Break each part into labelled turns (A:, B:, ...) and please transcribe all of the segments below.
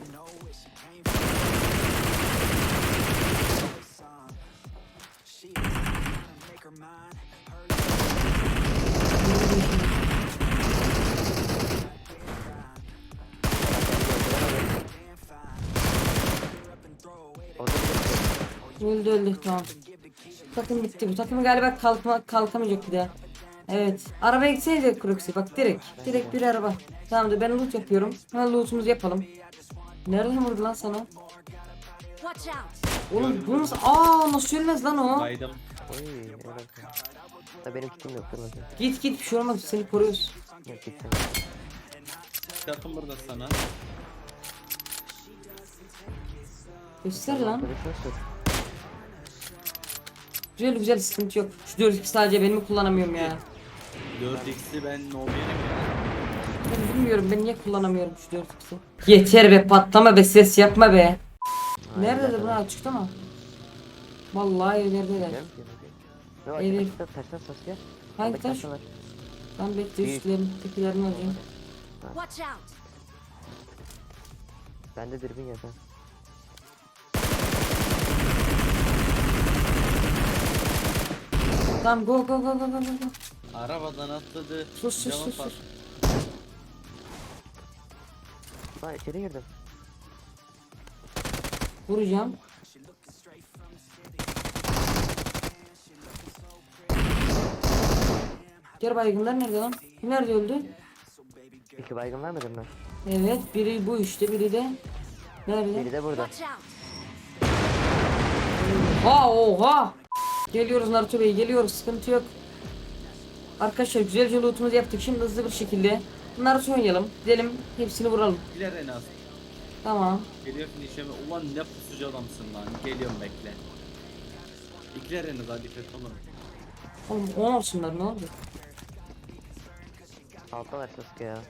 A: Öldü tamam. Takım bitti, bu takım galiba kalkamayacak bir daha. Evet. Arabaya gitseydi Cruxy, bak direkt bir araba. Tamamdır, ben loot yapıyorum. Hemen lootumuzu yapalım. Nereden vurdu lan sana? Oğlum bu nasıl? Nasıl ölmez lan o?
B: Baydım.
C: Oy, evet. Da benim kitim yok kırmızı.
A: Git bir şey olmaz, seni koruyoruz.
C: Yok gitsin.
B: Yakın burada sana.
A: Göster lan.
C: Görüşürüz.
A: Güzel sıkıntı yok. Şu 4x sadece benim mi kullanamıyorum ya?
B: 4x'i ben no yerim ya.
A: Ben bilmiyorum, ben niye kullanamıyorum şu 4x'i? Yeter be, patlama be, ses yapma be. Nerededir bunlar, açıkta mı? Vallahi evlerdeler.
C: Yok
A: Evet.
C: açıkta taşlar Sasuke.
A: Hangi taş? Ben bekle, üstlerin tekilerini alacağım.
D: Watch out.
C: Bende dürbün yok ha.
A: Tamam, go.
B: Arabadan atladı.
A: Sus.
B: Cama pat-
C: Lan içeri girdim.
A: Vuracağım. Diğer baygınlar nerede lan? Kim nerede öldü?
C: 2 baygın vermedim ben.
A: Evet, biri bu işte, biri de nerede?
C: Biri de burada.
D: Watch out.
A: Oha! Geliyoruz Naruto Bey, geliyoruz, sıkıntı yok. Arkadaşlar güzelce lootumuzu yaptık, şimdi hızlı bir şekilde Naruto oynayalım, gidelim hepsini vuralım.
B: İkiler en az.
A: Tamam.
B: Geliyor finişeme. Ulan ne pusucu adamsın lan. Geliyorum bekle. İkiler en az, hadi kötü olur.
A: Oğlum 10 olsunlar, ne oldu?
C: Altta var Sasuke ya.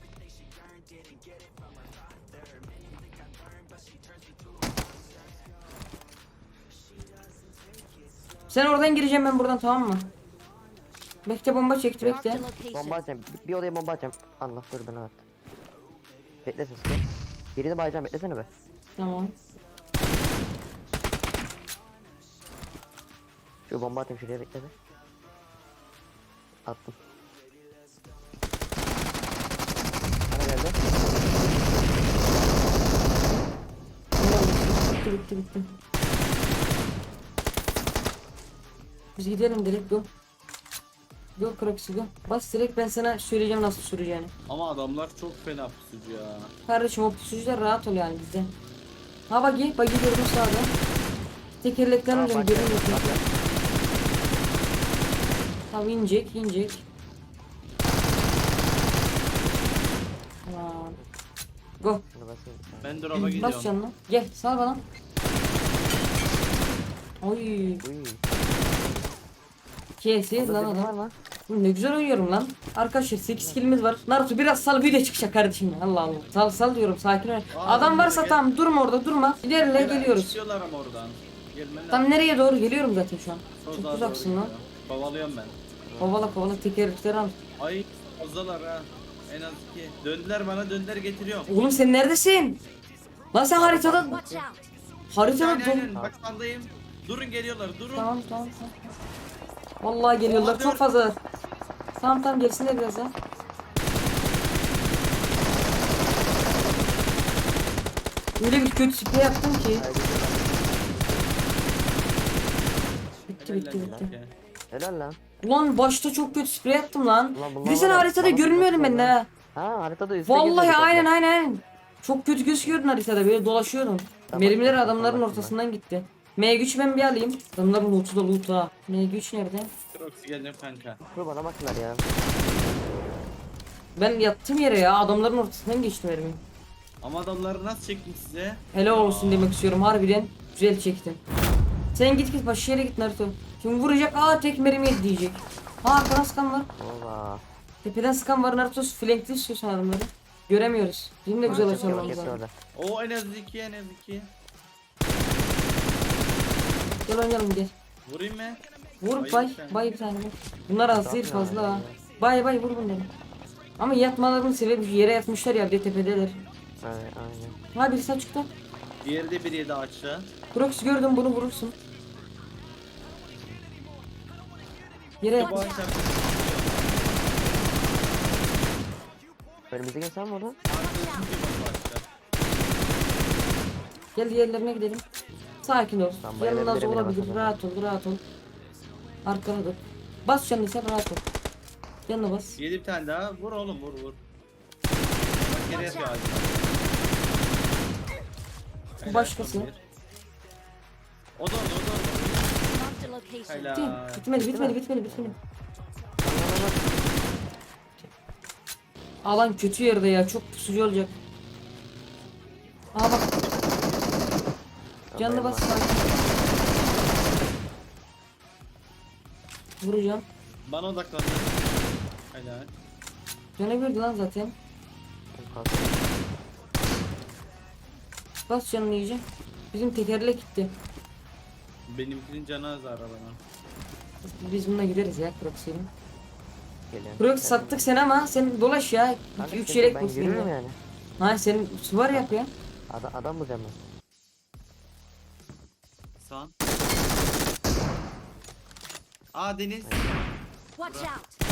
A: Sen oradan gireceğim, ben buradan, tamam mı? Bekle, bomba çekti,
D: Marked a
A: bekle.
C: Bomba
D: location.
C: atacağım. Bir odaya bomba atacağım. Allah dur bana at. Bekle Sasuke. Birini bayacağım, beklesene be.
A: Tamam.
C: Şu bomba atayım şuraya, bekle be. Attım. Bana geldi.
A: Bitti. Biz gidelim direkt, go. Go Crocsy, go. Bas direkt, ben sana söyleyeceğim nasıl süreceğini.
B: Ama adamlar çok fena pusucu ya.
A: Kardeşim o pusucular rahat ol yani bizde. Ha buggy gördüm sağda. Tekerlekten
C: Tamam,
A: önce
C: bak
A: görün
C: ya,
A: bakayım.
C: bak ya.
A: Tamam, inecek. Tamam. Go.
C: Şunu basayım.
B: Ben drop'a
A: Bas
B: gidiyorum.
A: canına. Gel sal bana. Oy.
C: Uy.
A: Kesiyiz lan
C: Var
A: adam.
C: lan.
A: Ne güzel oynuyorum lan. Arkadaşlar 8 killimiz var. Naruto biraz sal, video çıkacak kardeşim ya. Allah Allah. Sal diyorum, sakin ol. Adam varsa
B: gel.
A: tamam, durma orada, durma. İlerle, geliyoruz.
B: Çıkıyorlar ama oradan. Gelmen
A: Tam nereye doğru geliyorum zaten şu an.
B: Çok
A: Çok
B: daha
A: uzaksın
B: doğru
A: lan.
B: gidiyor. Kovalıyorum ben.
A: Kovala tekerlekleri al.
B: Ay fazlalar ha. En az 2. Döndüler getiriyorum.
A: Oğlum sen neredesin? Lan sen haritada
D: Watch out.
A: haritada
B: Aynen bak sandayım. Durun geliyorlar durun.
A: Tamam. Vallahi geliyorlar, çok fazla. Tamam gelsinler biraz ya. Öyle bir kötü sprey yaptım ki. Bitti.
C: Helal lan.
A: Ulan başta çok kötü sprey yaptım lan.
C: Ulan bunlar
A: Bir de sen
C: var ya,
A: haritada
C: bana
A: görünmüyordum
C: bakıyorlar
A: ben de
C: lan.
A: ha.
C: Ha haritada üstte
A: Vallahi
C: geziyorduk
A: aynen. Çok kötü gözüküyordun haritada, böyle dolaşıyordum.
C: Tamam,
A: Mermiler
C: tamam,
A: adamların
C: tamam.
A: ortasından gitti. M3 ben bir alayım. Adamların loot'u da loot ha. M3 nerede?
B: Proxy geldim kanka.
C: Dur bana baktılar ya.
A: Ben yattım yere ya, adamların ortasından geçtim mermi.
B: Ama adamları nasıl çektim size?
A: Helal olsun demek istiyorum, harbiden güzel çektin. Sen git başka yere git Naruto. Şimdi vuracak, tek mermi yedi diyecek. Arkadan sıkan var.
C: Ola.
A: Tepeden sıkan var Naruto, flankli istiyorsan adamları. Göremiyoruz. Bizim de güzel
B: Bak,
A: açalım.
C: Yok hepsi orada.
B: O en az 2.
A: Gel oynayalım gel.
B: Vurayım mı?
A: Vur
B: Bayıl sen.
A: bay bir tane. Bunlar az değil, fazla ha. Bay vur bunları. Ama yatmalarının sebebi yere yatmışlar ya, bir de tepedeler.
C: Aynen.
A: Ha birisi açıkta.
B: Diğeri de bir yedi açtı.
A: Proxy gördüm, bunu vurursun. Yere
B: Bu açar.
C: Önümüzdeki insan mı oldu?
A: gel diğerlerine gidelim. Sakin ol.
C: Tamam,
A: Yanında
C: bayılabilirim yine
A: olabilir.
C: bakalım.
A: Rahat ol, rahat ol. Arkana dur. Bas canını sen, rahat ol. Yanına bas.
B: Yedi bir tane daha. Vur oğlum, vur vur. Bak geri yapıyor ağacı.
A: Bu başkası.
B: O da orada, o da orada.
D: Marked a location.
B: Helal.
A: Bitmedi. Alan kötü yerde ya, çok pusucu olacak. Aa bak, canını bas sakin. Vuracağım.
B: Bana odaklandı. Helal.
A: Canı gördü lan zaten. Bas canını iyice. Bizim tekerlek gitti.
B: Benimkinin canı az arabanın.
A: Biz bununla gideriz ya Proxy'yle.
C: Geliyorum.
A: Proxy sattık sen ama sen dolaş ya.
C: Kanka,
A: 3
C: sıkıntı yok,
A: yelek
C: ben
A: bulsun
C: yürüyorum
A: ya.
C: yani.
A: Ha senin var yap ya.
C: Adam bulacağım ben.
B: Sağ. Aa Deniz.
D: Watch out.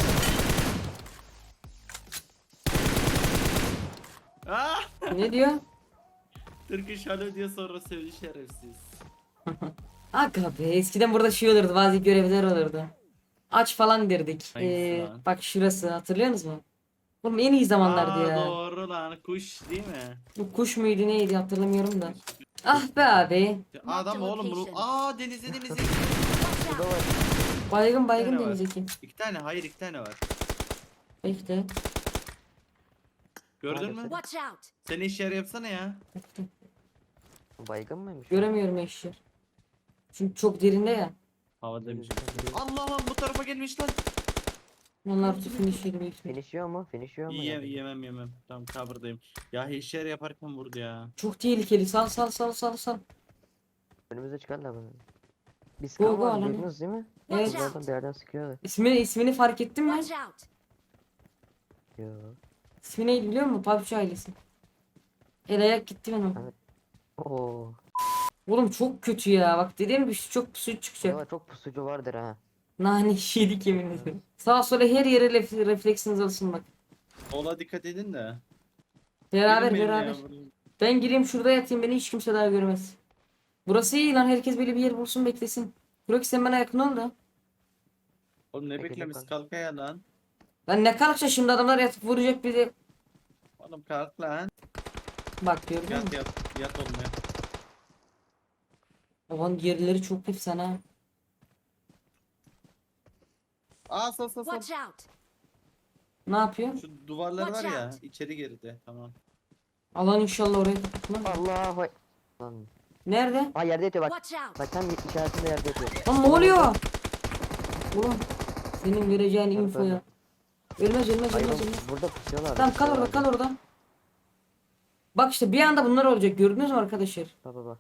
B: Aa!
A: Ne diyor?
B: Turkish Hello diye sonra söyledi şerefsiz.
A: Aga be, eskiden burada şey olurdu, bazı görevler olurdu. Aç falan derdik.
B: Hangisi lan?
A: Bak şurası, hatırlıyorsunuz mu? Oğlum en iyi zamanlardı
B: Aa,
A: ya.
B: doğru lan, kuş değil mi?
A: Bu kuş muydu neydi hatırlamıyorum da. Ah be abi.
B: Adam oğlum bunu. Aa denizde.
D: Watch
C: Burada
D: out.
C: var.
A: Baygın
B: Bir tane var.
A: Deniz'deki.
B: İki tane, hayır iki tane var.
A: Bekle.
B: Gördün mü?
D: Watch out.
B: Sen iş yer yapsana ya.
A: Bekle.
C: Baygın mıymış?
A: Göremiyorum eşya. Çünkü çok derinde ya.
B: Havada bir şey. Allah lan bu tarafa gelmiş lan.
A: Onlar tüfün işleri büyük ihtimal.
C: Finish'iyor mu? Finish'iyor mu?
B: Yemem. Tamam cover'dayım. Ya iş yer yaparken vurdu ya.
A: Çok tehlikeli. Sal.
C: Önümüze çıkarlar bunu. Bir
A: Go,
C: skan
A: go,
C: var,
A: alanı.
C: duydunuz değil mi?
A: Evet.
D: Watch
C: Buradan bir yerden sıkıyordu.
A: İsmini fark ettin mi?
D: Watch out.
C: Yo.
A: İsmi neydi biliyor musun? PUBG ailesi. El ayak gitti benim.
C: Evet. Oo.
A: Oğlum çok kötü ya. Bak dediğim gibi çok pusu çıkacak.
C: Burada çok pusucu vardır ha.
A: Nane yedik yemin ederim. Sağa sola her yere refleksiniz olsun bak.
B: Ola dikkat edin de.
A: Beraber
B: Gelin benimle
A: beraber.
B: ya.
A: Ben gireyim şurada yatayım, beni hiç kimse daha görmez. Burası iyi lan, herkes böyle bir yer bulsun beklesin. Burak sen bana yakın ol da.
B: Oğlum ne
C: Peki,
B: beklemiş
C: bakalım.
B: kalk ya lan.
A: Lan ne kalkacak şimdi, adamlar yatıp vuracak bizi.
B: Oğlum kalk lan.
A: Bak gördün mü?
B: Yat oğlum yat.
A: Aman yerleri çok efsane ha.
B: Aa sal.
D: Watch out.
A: Ne yapıyor?
B: Şu duvarlar var
D: Watch
B: ya
D: out.
B: içeri girdi tamam.
A: Alan inşallah oraya kapatmaz.
C: Allah vay. Lan.
A: Nerede?
C: Aa yerde yatıyor bak.
D: Watch out.
C: Bak tam işaretinde yerde yatıyor.
A: Lan ne oluyor? Oğlum senin vereceğin
C: Nerede,
A: infoya.
C: nerede?
A: Ölmez.
C: Hayır oğlum, burada pusuyorlar.
A: Tamam kal orada. Bak işte bir anda bunlar olacak, gördünüz mü arkadaşlar?
C: Baba.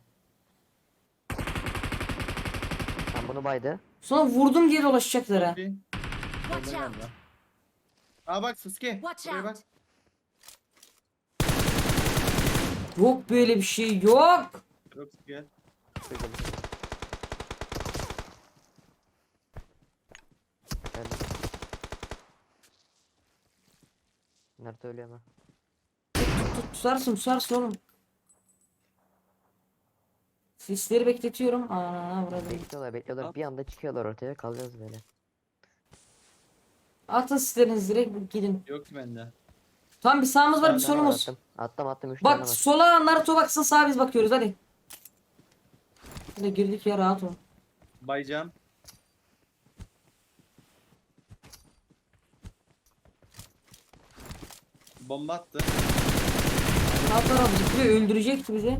C: Tam bunu baydı.
A: Sonra vurdum diye dolaşacaklar ha.
B: Bir.
D: Watch
B: Solda
D: out.
B: galiba. Aa bak Sasuke.
D: Watch
B: Buraya bak.
D: out.
A: Yok böyle bir şey yok.
B: Yok gel.
C: Şurada bir şey. Geldim. Nerede ölüyor ama?
A: Tutarsın oğlum. Sisleri bekletiyorum. Aa burada.
C: Bekliyorlar.
B: At.
C: Bir anda çıkıyorlar ortaya, kalacağız böyle.
A: Atın sislerinizi direkt gidin.
B: Yok ki bende.
A: Tam bir sağımız var, bir
C: Bir tane var,
A: solumuz.
C: Attım 3 tane
A: Bak
C: var.
A: sola Naruto baksın, sağa biz bakıyoruz hadi. Hadi girdik ya, rahat ol.
B: Baycam. Bomba attı.
A: Sağ taraf zıplıyor, öldürecekti bizi.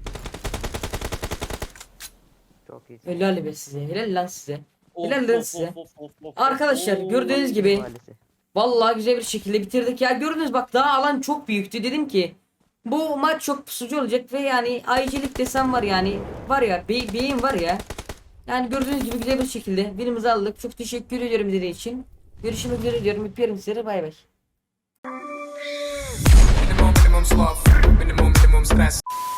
C: Çok iyi.
A: Helal be size, helal lan size.
B: Of,
A: Helal lan
B: of,
A: size.
B: of.
A: Arkadaşlar
B: Oo.
A: gördüğünüz gibi
C: Mahallesi.
A: vallahi güzel bir şekilde bitirdik ya. Gördünüz bak, daha alan çok büyüktü, dedim ki bu maç çok pusucu olacak ve yani ayıcılık desem var yani, var ya beyin var ya. Yani gördüğünüz gibi güzel bir şekilde birimizi aldık. Çok teşekkür ediyorum izlediğiniz için. Görüşmek üzere diyorum. Öpüyorum sizleri. Bay bay.
E: Minimum sloth. so that's